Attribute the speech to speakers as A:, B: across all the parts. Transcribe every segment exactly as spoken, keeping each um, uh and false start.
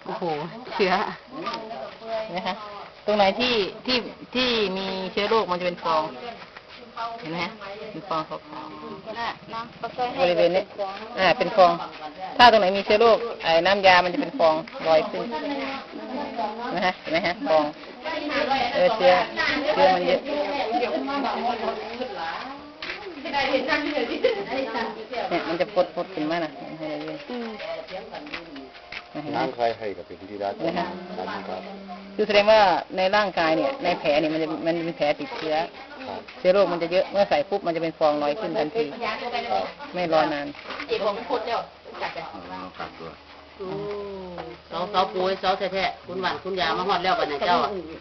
A: โอ้โหเชื้อนะคะตรงไหนที่ที่ที่มีเชื้อโรคมันจะเป็นฟองเห็นไหมฮะเป็นฟองขาวๆบริเวณนี้อ่าเป็นฟองถ้าตรงไหนมีเชื้อโรคไอ้น้ำยามันจะเป็นฟองลอยขึ้นนะฮะเห็นไหมฮะฟองเออเชื้อเชื้อมันเยอะเนี่ยมันจะพดพดขึ้นมานะให้เราเยอะ
B: น้ำใครให้กับเป็นที่รักนะฮะ
A: คือแสดงว่าในร่างกายเนี่ยในแผลเนี่ยมันจะมันเป็นแผลติดเชื้อเชื้อโรคมันจะเยอะเมื่อใส่ปุ๊บมันจะเป็นฟองลอยขึ้นทันทีไม่รอนาน
C: เสาเสาปูเสาแท้ๆคุณหวานคุณยามาหอดแล้วกันนะเจ้า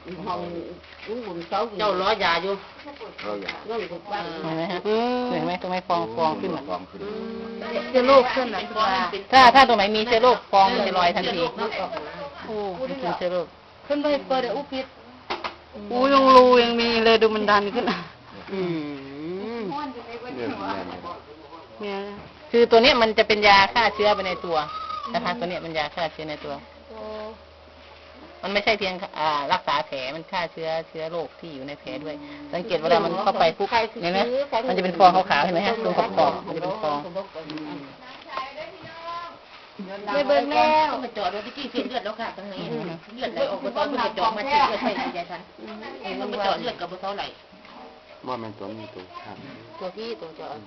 C: เจ้าล้อยาอยู่
A: เห็นไหมฮะเห็นไหมตรงไหนฟองฟองขึ้น
C: เชื้อโรคขึ้นนะ
A: ถ้าถ้าตรงไหนมีเชื้อโรคฟองมันจะลอยทันทีโอ้เป็นเชื้อโรค
C: ขึ้นไปเปิดอุปิด
A: อู้ยังรูยังมีเลยดูมันดันขึ้น
C: อืม
A: เนี่ยคือตัวนี้มันจะเป็นยาฆ่าเชื้อไปในตัวนะคะตัวนี้มันยาฆ่าเชื้อในตัวมันไม่ใช่เพียงรักษาแผลมันฆ่าเชื้อเชื้อโรคที่อยู่ในแผลด้วยสังเกตเวลามันเข้าไปปุ๊บเห็นไหมมันจะเป็นฟองขาวๆเห็นไหมฮะตรงขอบๆมันจะเป็นฟอง
C: ไม่เบิ่งแล้วมาจอดรถที่เส้นเลือดแล้วค่ะตรงนี้เลือดไหลออกบนท้องมันจะจอดมาเส้นเลือดไปใหญ่ทันมันมาจอดเลือดกับบนท้องไหล
B: ว่ามันตัวนี้ตัวข้าง
C: ตัวที่ตัวจอด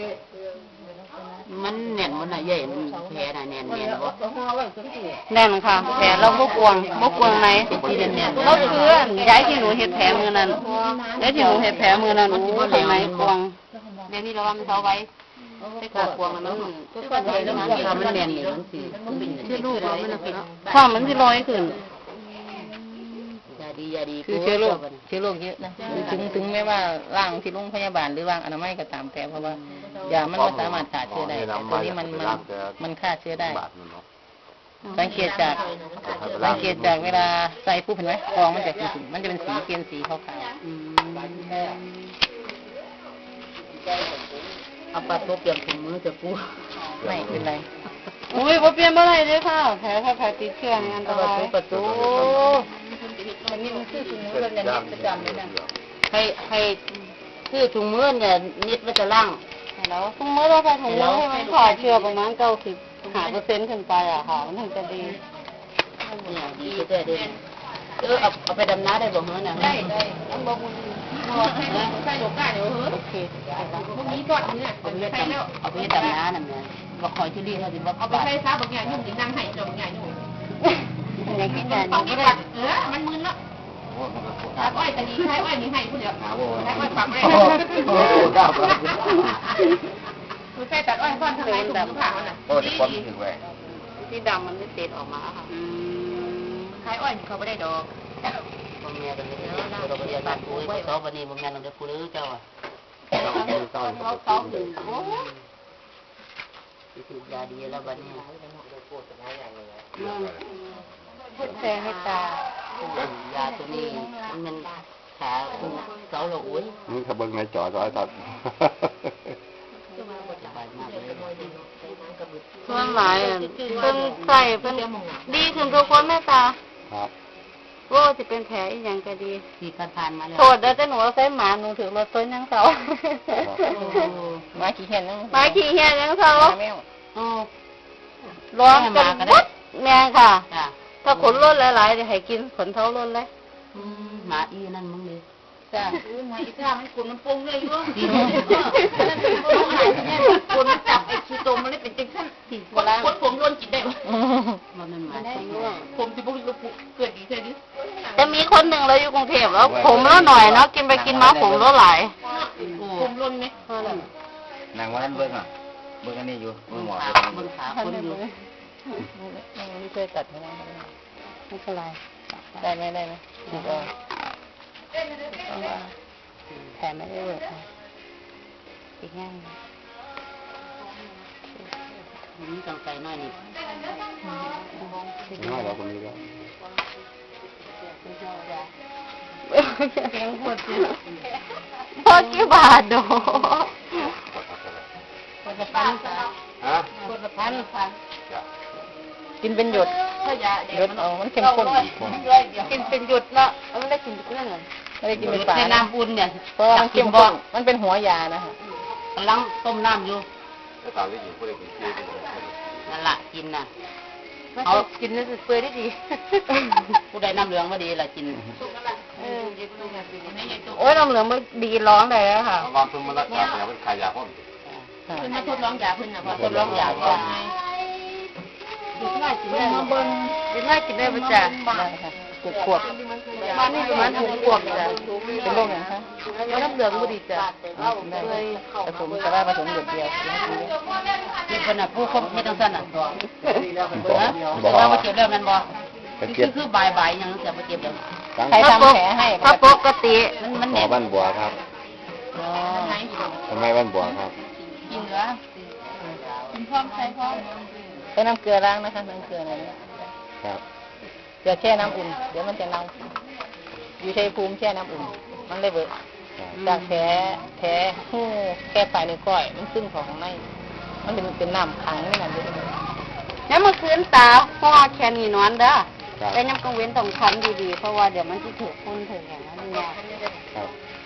C: มันแน่นมันน่ะใหญ่มันแผลน่ะแน่นแน่นบ่
A: แน่นค่ะแผลเราบกวงบกวงไหนเราเชื้อย้ายที่หนูเห็ดแผลมือนั้นย้ายที่หนูเห็ดแผลมือนั้นหนูทำไมกวง
C: เดี๋ยวนี้เราว่ามันเท้าไว้ไอ้กวงมันมันก็ใหญ่แล้วมันมันแน่นนี่มันสิเชื้อโรคมันน่ะ
A: ความมันสิลอยขึ้น
C: ยาดียาดี
A: คือเชื้อโรคเชื้อโรคเยอะนะถึงถึงแม้ว่าร่างที่โรงพยาบาลหรือร่างอนามัยก็ตามแต่เพราะว่ายามันไม่สามารถฆ่าเชื้อได้แต่ตัวนี้มันมันมันฆ่าเชื้อได้สังเกตจากสังเกตจากเวลาใส่ปุ๊บเห็นไหมฟองมันจะมันจะเป็นสีเปลี่ยนสีขาว
C: ๆเอาปลาโตเปลี่ยนถุงมือจะปู
A: ไม่เป็นไรโอ้ยพอเปลี่ยนเมื่อไรเลยค่ะแผลถ้าแผลติดเชื้อนี่อันตราย
C: ประตูมันนี่มันคือถุงมือแบบนี้ประจำเลยนะให้ให้คือถุงมือเนี่ยนิดว่าจะล่าง
A: แล้วถุงมือเราใส่ถุงมือให้มันขาดเชื้อประมาณเก้าสิบห้าเปอร์เซ็นต์ขึ้นไปอะค่ะมันถึงจะดี
C: เนี่ยดีเด้อเด้อเออเอาเอาไปดำน้ำได้บ่เหรอเนี่ยได้ได้เอาบ่มึงใส่ดอกก้าเดี๋ยวเหรอโอเคพวกนี้ทอดเนี่ยเอาไปใส่แล้วเอาไปดำน้ำนั่นเนี่ยบ่คอยที่รีเขาสิบ่เอาไปใส่ซาบางอย่างยุ่งสินั่งให้เจ้าบางอย่างยุ่ง
A: อะไรกินได้
C: นี่ก็ได้เออมันมึนเนาะถ้าอ้อยตะนี้ใช้อ้อยนี่ให้ผู้เดียวใช้อ้อยฝังได้โอ้โหก้าวคือใช้ตัดอ้อยซ่อนทางไหนถุงผ้ามันน่ะที่ที่ดำมันไม่เศษออกมาค่ะใช้อ้อยเขาไม่ได้ดอกบางแง่กันเลยเราไปบ้านปุ้ยเขาวันนี้บางแง่เราจะพูดหรือเจ้าอ่ะเขาเขาถึงโอ้คือยาดีแล้ววันนี้
A: พูดแทงให้ต
C: ายาตัวนี้มันขาเสาหลงอุ้ย
B: นี่ขบวนในจอร้อยตัด
A: ส่วนหลายเพิ่นใส่เพิ่นดีขึ้นทุกคนแม่ตา
B: ครับ
A: โอ้จะเป็นแผลอีกอย่างก็ดี
C: ที่ผ่านมาแล้ว
A: โทษแล้วแต่หนูใส่หมาหนูถือรถต้นยังเสาหมาขี่เห็นยังหมาขี่เห็นยังเสาร้องกันวัดแม่ค่ะถ้าขนล้นหลายๆจะให้กินขนเท้าล้นเลย
C: หมาอีนั่นมึงเลย
A: จ้า
C: หมาอีข้ามันขนมันปงเลยอยู่ขนมันจับไอ้ชีโตมันเลยเป็นจังสั้นขนผมล้นจิตได้ปะมันมันมาผมจะบุกลุกเกิดดีใช่ดิ
A: จะมีคนหนึ่งเราอยู่กรุงเทพแล้วผมแล้วหน่อยเนาะกินไปกินมาผมแล้วหลาย
C: ผมล้นไหม
B: นางวันนั้นเบิ้งอ่ะเบิ้งอันนี้อยู่เบิ้งหมอ
C: เบิ้งขาคนอยู่
A: ไม่เคยตัดไม่ได้ไม่เป็นไรได้ไหมได้ไหมดีกว่าแผลไม่ได้เวิร์กอีกง่าย
C: นี่ต้องใส่น้อยนี่
B: น้อยเราคนนี้ก็
A: พอกี่บาทดู
C: คนละพันฮะคนละพันพัน
A: กินเป็นหยด
C: ถ้ายา
A: หยดเอามันเข้มข้น
C: กินเป็นหยุดละไม่ได้กินเป็นเรื่องเลย
A: ไม่ได้กินเป็นฝา
C: ใน
A: นะ
C: น้ำอุ่นเนี่ย
A: เพราะว่ามันเข้มข้นมันเป็นหัวยานะคะ
C: กำลังต้มน้ำอยู่
B: แล้วตามที่อยู่ผู้ใดกินที่
C: นั่นแหละกินน่ะเขากินนี่เปื่อยได้ดี ผู้ใดน้ำเหลืองมาดีล่ะกิน
A: โอ้ยน้ำเหลืองมันดีร้องได้แล้วค่ะ
B: วางทุ่มมาละยาเป็นขายยาพ่น
C: เพิ่นมาทดลองยาเพิ่นน่ะพอทดลองยาก่อนดูง่ายกินได้มาเบิ่งดูง่ายกินได้บ่จ้ะ
A: ได้ค่ะปลูกขวบ
C: มานี่ประมาณหกขวบจ้ะ
A: เป็นโรคอย่างคะ
C: ว่าน้ำเหลืองบ่ดีจ้ะ
A: ได้ผสมแต่ว่าผสมหยดเดียว
C: นี่เพิ่นน่ะผู้คบเฮ็ดจังซั่นน่ะฮะแต่ว่าบ่เจ็บแล้วแม่นบ่คือคือบ่ายๆหยังจะบ่เจ็บแล้ว
A: ใครทำแผลให้
C: ถ้าปกติมันมัน
B: หมอบ้านบัวครับ
A: อ๋อ
B: ทำไมบ้านบัวครับ
C: กินเหลือกินพร้อมใส่พร้อม
A: ใช้น้ำเกลือล้างนะคะน้ำเกลืออะไรเนี่ย
B: ครับ
A: เกลือแช่น้ำอุ่นเดี๋ยวมันจะเน่าอยู่ชัยภูมิแช่น้ำอุ่นมันเลยเบิดจากแผลแผลหูแค่ปลายนิ้วก้อยมันขึ้นของข้างในมันเป็นเป็นน้ำขังนี่นั่นด้วย
C: แล้วเมื่อคืนตาพ่อแค่นี้นอนเด้อ
B: ครับ
C: แต่ยังกังเว้นต้องทำดีๆเพราะว่าเดี๋ยวมันจะถือพุ่นถืออย่างนั้นเนี่ย
B: ครับ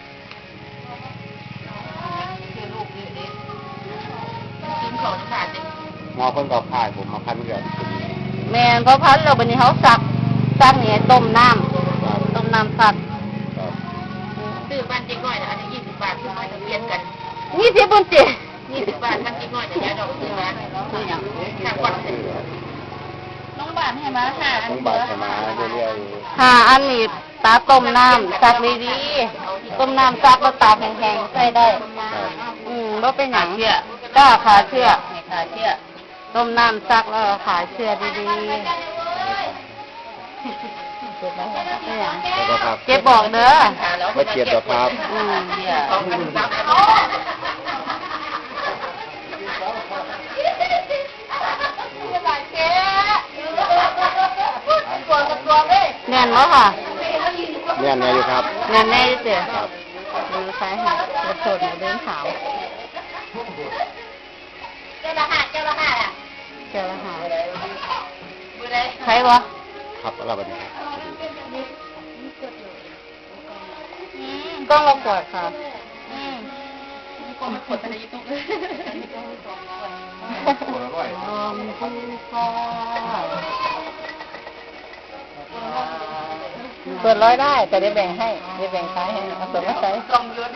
C: กินของขาดเลย
B: หมอเพิ่นก็พายผมมาพันเกือบ
C: แม่นเพราะพันเราบันนี้เขาสักสักเนี่ยต้มน้
B: ครับ
C: ำต้มน้ำสัก
B: ครับ
C: ซื้อบ้านเจ๊ก้อยนะอันนี้ยี่สิบบาทซื้อมาเปลี่ยนกันยี่สิบปุ่นเจ๊ยี่สิบบาทมันเจ๊ก้อยแต่ยาดอกซื้อมาซื้ออย่างห้าก้อนน้องบาทให้มาค่ะ
B: ต้องบาดใช่ไหมเรื่อย
C: ค่ะอันนี้ตาต้มน้ำซักดีๆต้มน้ำซักแล้วตากแห้งๆใส่ได้
B: ๆครับ
C: อืมว่าเป็นอย่างเชื่อก็ขาเชื่อขาเชื่อต้มน้ำซักแล้วขาเชื่อดีๆเจ็บไหมไม่อย่าง
B: แล้วก็ครับ
C: เจ็บบอกเด้อ
B: ไม่เจ็บหรอกครับ
C: อืมแน่นแล้วค่ะ
B: เนี่ยเนี่ยอยู่ครับ
C: แน่นแน่เจ๊
B: ครับ
C: มือซ้ายหักกระโดดเดินขาวเจ้าละห้าเจ้าละห้าอ่ะเจ้าละห้าใครวะ
B: ครับอะไรแบบนี้ครับ
C: กล้องเราปวดค่ะกล้องปวดอะไรตุ๊ก
B: คนละร้อย
C: ลมภูฟ้า
A: ส่วนร้อยได้แต่ได้แบ่งให้ได้แบ่งขายให้เอาส่วนมาใช้
C: กล้องยุด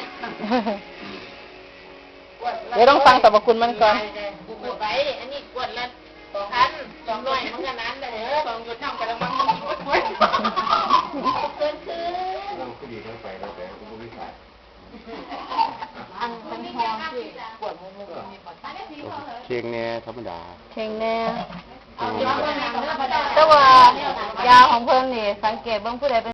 A: เดี๋ยวต้องฟังสรรพคุณมันก่อน
C: กูกดไปอันนี้กดละสองพันสองร้อยมันก็นั้นเลยเหรอสองยุดน้ำกระมังมันกดกดเกินคืน
B: เราก็ดีทั้งไปแล้วแต่กูไม่ใส่
C: อันเป็นพอสิปวดมุมมุมมีปวด
B: เชียงเนี่ยธรรมดา
A: เชงแน่
B: อืม
C: แต่ว่ายาของเพิ่นนี่สังเกตเบิ่งผู้ใดเป็น